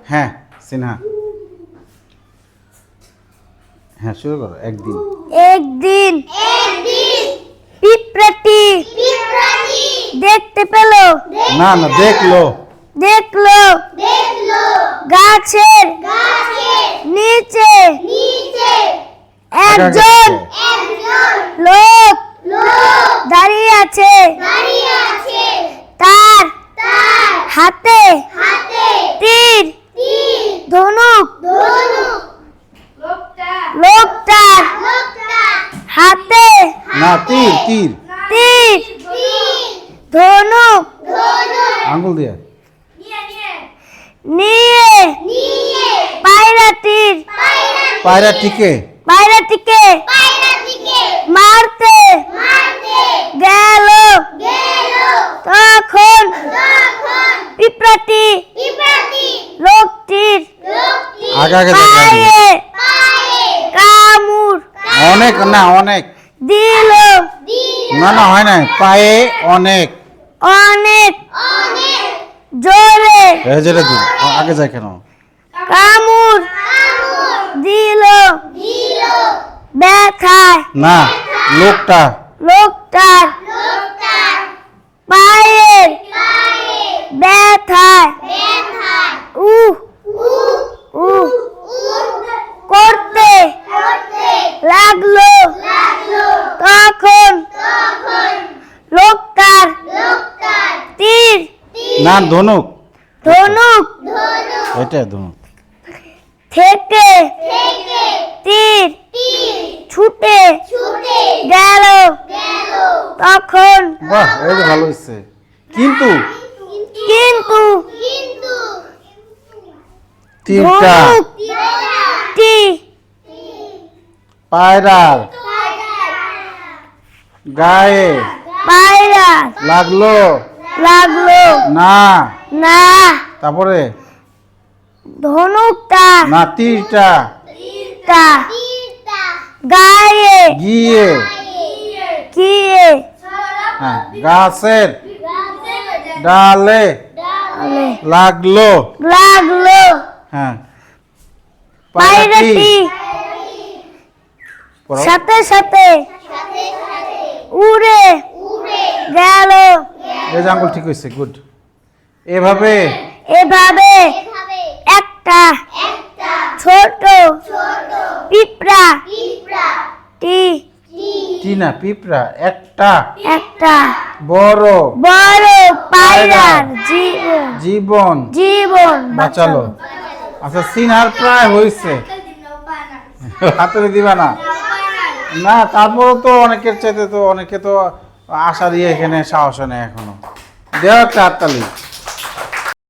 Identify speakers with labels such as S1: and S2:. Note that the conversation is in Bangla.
S1: হ্যাঁ সিনহা, হ্যাঁ শুরু করো। একদিন
S2: একদিন পিঁপড়াটি দেখতে পেল,
S1: না না দেখলো,
S2: দেখলো গাছের নিচে একজন লোক দাঁড়িয়ে আছে। তার হাতে তীর ধনুক। লোকটার হাতে
S1: না তীর তীর
S2: তীর ধনুক
S1: আঙ্গুল দিয়ে
S2: নিয়ে
S1: পায়রাটিকে
S2: মারতে গেল। তখন পিঁপড়াটি লোকটির
S1: আগে আগে
S2: পায়ে কামড়
S1: অনেক না অনেক
S2: দিল।
S1: না না হয় না, পায়ে অনেক
S2: অনেক জোরে
S1: যেটা দিন আগে যায় কেন?
S2: কামড় দিল। ব্যথায়
S1: না
S2: লোকটার পায়ের ব্যথায় উহ করতে লাগলো। তখন লোকটার তীর
S1: না ধনুক এটা ধনুক
S2: থেকে তীর ছুটে গেল। তখন
S1: বাহ এই যে ভালো হচ্ছে, কিন্তু তীরটা
S2: ধনুকটি
S1: পায়রার গায়ে লাগলো না।
S2: না।
S1: তারপরে
S2: ধনুকটা
S1: না তীরটা
S2: গায়ে
S1: গিয়ে হ্যাঁ গাছের ডালে লাগলো। হ্যাঁ
S2: পায়রাটি
S1: পড়ো।
S2: সাথে উড়ে গেল।
S1: এই যে আঙ্গুল ঠিক হয়েছে, গুড। এভাবে
S2: একটা ছোট পিঁপড়া
S1: পিঁপড়া একটা বড়
S2: পায়রার
S1: জীবন বাঁচালো। আচ্ছা সিনহার প্রায় হয়েছে, হাতে দিবা না। না তারপরও তো অনেকের চাইতে তো অনেকে তো আশা দিয়ে এখানে সাহস নেই এখনো। দেওয়া একটা হাততালি।